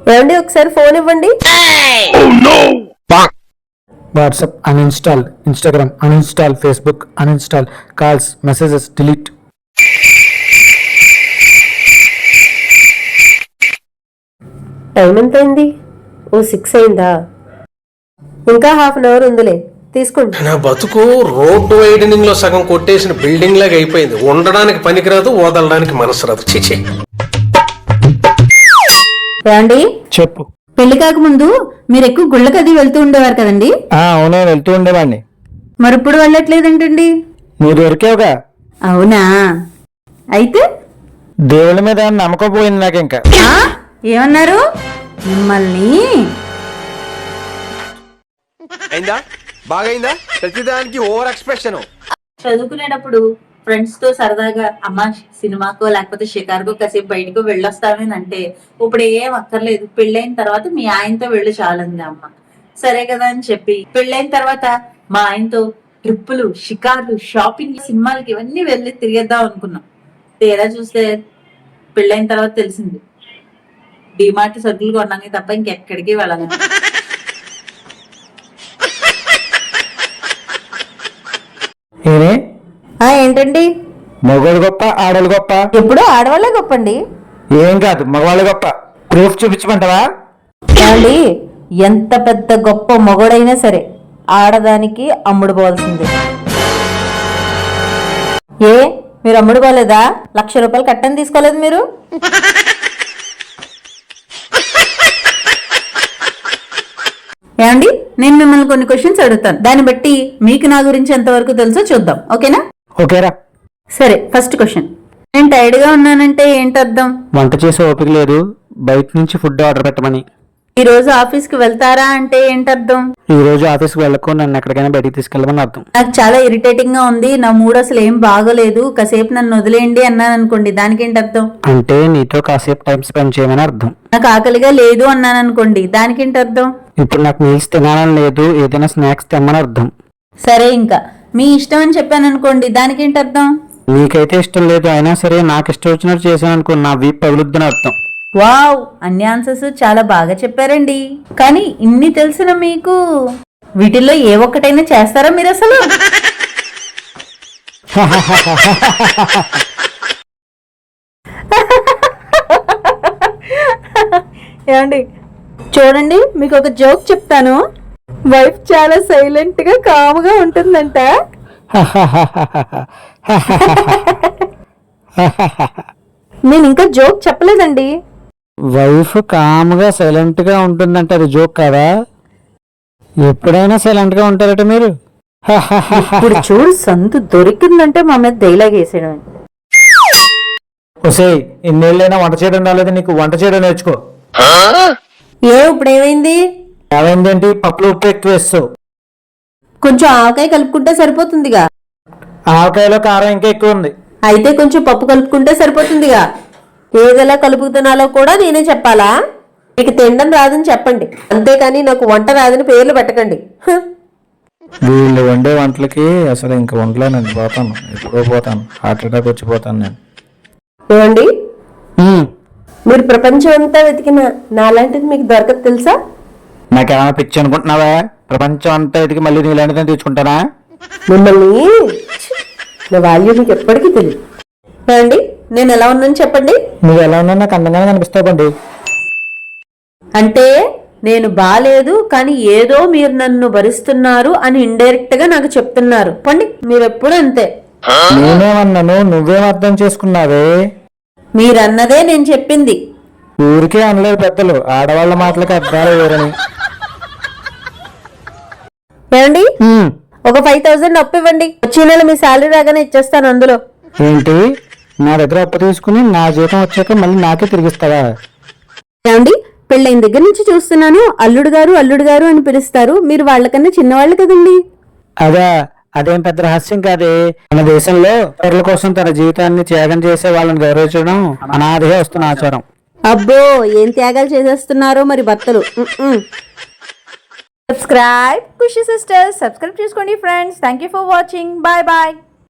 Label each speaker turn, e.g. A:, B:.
A: ఏమండి ఒకసారి ఫోన్ ఇవ్వండి.
B: WhatsApp uninstall, Instagram uninstall, Facebook uninstall, calls messages delete.
A: Time ఎంత అయింది? ఓ 6 అయిందా? ఇంకా హాఫ్ అన్ అవర్ ఉందిలే, తీసుకోండి.
C: నా బతుకు రోడ్డు వైడనింగ్ లో సగం కొట్టేసిన బిల్డింగ్ లాగా అయిపోయింది. ఉండడానికి పనికిరాదు, వదలడానికి మనసు రాదు. చిచి.
A: ఏమండి
B: చెప్పు.
D: పెళ్లి కాకముందు మీరు ఎక్కువ గుళ్ళకి అది వెళ్తూ ఉండేవారు కదండి?
B: అవునే, వెళ్తూ ఉండేవాడిని.
D: మరి ఇప్పుడు వెళ్ళట్లేదంటండి?
B: నువ్వు దొరికావుగా.
D: అవునా? అయితే
B: దేవుళ్ళ మీద నమ్మకం పోయింది నాకు. ఇంకా
D: ఏమన్నారు? మిమ్మల్ని
E: అయిందా? బాగైందా? ప్రతిదానికి ఓవర్ ఎక్స్ప్రెషన్.
D: చదువుకునేటప్పుడు ఫ్రెండ్స్ తో సరదాగా అమ్మ సినిమాకో లేకపోతే షికార్కో కాసేపు బయటకు వెళ్ళొస్తామేనంటే ఇప్పుడు ఏం అక్కర్లేదు, పెళ్ళైన తర్వాత మీ ఆయనతో వెళ్ళి చాలంది అమ్మ. సరే కదా అని చెప్పి పెళ్ళైన తర్వాత మా ఆయనతో ట్రిప్పులు, షికార్లు, షాపింగ్, సినిమాలకి ఇవన్నీ వెళ్ళి తిరిగేద్దాం అనుకున్నాం. తీరా చూస్తే పెళ్ళైన తర్వాత తెలిసింది డిమార్ట్ సరుకులు కొన్నాక తప్ప ఇంకెక్కడికి వెళ్ళాలి.
A: ఏంటండి?
B: మగవాళ్ళు గొప్ప, ఆడవాళ్ళు గొప్ప?
A: ఎప్పుడు ఆడవాళ్ళే గొప్పండి.
B: ఏం కాదు, మగవాళ్ళు గొప్ప. ప్రూఫ్ చూపించమంటావా?
A: ఏమండి, ఎంత పెద్ద గొప్ప మొగడైనా సరే ఆడదానికి అమ్ముడు పోవాల్సిందే. ఏ మీరు అమ్ముడు పోలేదా? 1,00,000 రూపాయలు కట్టని తీసుకోలేదు మీరు?
D: ఏమండి, నేను మిమ్మల్ని కొన్ని క్వశ్చన్స్ అడుగుతాను, దాన్ని బట్టి మీకు నా గురించి ఎంతవరకు తెలుసో చూద్దాం. ఓకేనా?
B: ఓకేరా.
D: సరే, ఫస్ట్ క్వశ్చన్. నేను టైర్డ్ గా ఉన్నానంటే ఏంటి అర్థం?
B: వంట చేసే ఓపిక లేదు, బయట నుంచి ఫుడ్ ఆర్డర్ పెట్టమని.
D: ఈ రోజు ఆఫీస్ కి వెళ్తారా అంటే ఏంటి అర్థం?
B: ఈ రోజు ఆఫీస్కి వెళ్ళకు, నన్ను ఎక్కడికైనా బయటికి తీసుకెళ్ళమని అర్థం.
D: నాకు చాలా ఇరిటేటింగ్ గా ఉంది, నా మూడ్ అసలు ఏం బాగోలేదు, కాసేపు నన్ను వదిలేయండి అన్నాను అనుకోండి, దానికి ఏంటి అర్థం?
B: అంటే నీతో కాసేపు టైం స్పెండ్ చేయమని అర్థం.
D: నాకు ఆకలిగా లేదు అన్నాను అనుకోండి, దానికి ఏంటి అర్థం?
B: ఇప్పుడు నాకు మీల్స్ తినాలని లేదు, ఏదైనా స్నాక్స్ తెమ్మని అర్థం.
D: సరే, ఇంకా మీ ఇష్టం అని చెప్పాను అనుకోండి, దానికి ఏంటి అర్థం?
B: నీకైతే ఇష్టం లేదు, అయినా సరే నాకు ఇష్టం వచ్చినట్టు చేశాను అనుకో, నా వీప్ పగులుద్దని అర్థం.
D: వావ్, అన్ని ఆన్సర్స్ చాలా బాగా చెప్పారండి. కానీ ఇన్ని తెలిసిన మీకు వీటిల్లో ఏ ఒక్కటైనా చేస్తారా మీరు అసలు?
A: ఏమండి చూడండి, మీకు ఒక జోక్ చెప్తాను. వైఫ్ చాలా సైలెంట్ గా కాముగా ఉంటుందంట. నేను ఇంకా జోక్ చెప్పలేదండి.
B: వైఫ్ కామ్గా సైలెంట్ గా ఉంటుందంటే అది జోక్ కాదా? ఎప్పుడైనా సైలెంట్ గా ఉంటారట మీరు.
A: ఇప్పుడు చూడు, సందు దొరికిందంటే మా మీద డైలాగ్ వేసేయడం.
B: ఒసే, ఇన్నేళ్ళైనా వంట చేయడం రాలేదు నీకు, వంట చేయడం నేర్చుకో.
A: ఇప్పుడు ఏమైంది?
B: ఏమైందేంటి? పప్పులు ఉప్పు ఎక్కువ వేస్తావు.
A: కొంచెం ఆవకాయ కలుపుకుంటే సరిపోతుందిగా.
B: ఆవకాయలో కారం ఇంకా ఎక్కువ ఉంది.
A: అయితే కొంచెం పప్పు కలుపుకుంటే సరిపోతుందిగా. ఏదెలా కలుపుతున్నాలో కూడా నేనే చెప్పాలా? మీకు తినడం రాదని చెప్పండి, అంతేకాని నాకు వంట రాదని పేర్లు పెట్టకండి.
B: వీళ్ళు వండే వంటలకి అసలు ఇంకా వండలేనండి, పోతాను, ఎప్పుడో పోతాను, హార్ట్ అటాక్ వచ్చిపోతాను నేను.
A: ఏమండి, మీరు ప్రపంచం అంతా వెతికిన నాలాంటిది మీకు దొరకదు తెలుసా?
B: నాకేమైనా పిచ్చి అనుకుంటున్నావా? ప్రపంచం అంతా ఎదిగి మళ్ళీ నీలాంటిదని తెచ్చుకుంటానా?
A: మిమ్మల్ని నా వాల్యూ మీకు ఎప్పటికీ తెలియదు. ఏమండి, నేను ఎలా ఉన్నాను చెప్పండి.
B: నువ్వు ఎలా ఉన్నా నాకు అందంగానే కనిపిస్తావండి.
A: అంటే నేను బాలేదు, కానీ ఏదో మీరు నన్ను భరిస్తున్నారు అని ఇండైరెక్ట్ గా నాకు చెప్తున్నారు. పండి, మీరు ఎప్పుడు అంతే.
B: నేనేమన్నాను, నువ్వేం అర్థం చేసుకున్నావే?
A: మీరన్నదే నేను చెప్పింది.
B: ఊరికే అనలేదు పెద్దలు, ఆడవాళ్ళ మాటలకి అర్థాలు వేరని.
A: ఏమండి, ఒక 5,000 అప్పు ఇవ్వండి, వచ్చే నెల మీ శాలరీ రాగానే ఇచ్చేస్తాను. అందులో
B: ఏంటి? నా దగ్గర అప్పు తీసుకుని నా జీతం వచ్చాక మళ్ళీ నాకే తిరిగిస్తావా?
A: ఏమండి, పెళ్ళైన దగ్గర నుంచి చూస్తున్నాను, అల్లుడు గారు అల్లుడు గారు అని పిలుస్తారు. మీరు వాళ్ళకన్నా చిన్నవాళ్ళు కదండి.
B: అదేం పెద్ద రహస్యం కాదే. మన దేశంలో ఇతరుల కోసం తన జీవితాన్ని త్యాగం చేసే వాళ్ళని గౌరవించడం అనాదిగా వస్తున్న ఆచారం.
A: అబ్బో, ఏం త్యాగాలు చేసేస్తున్నారో మరి భర్తలు.
D: సబ్స్క్రైబ్ ఖుషి సిస్టర్స్, సబ్స్క్రైబ్ చేసుకోండి friends. Thank you for watching. Bye bye.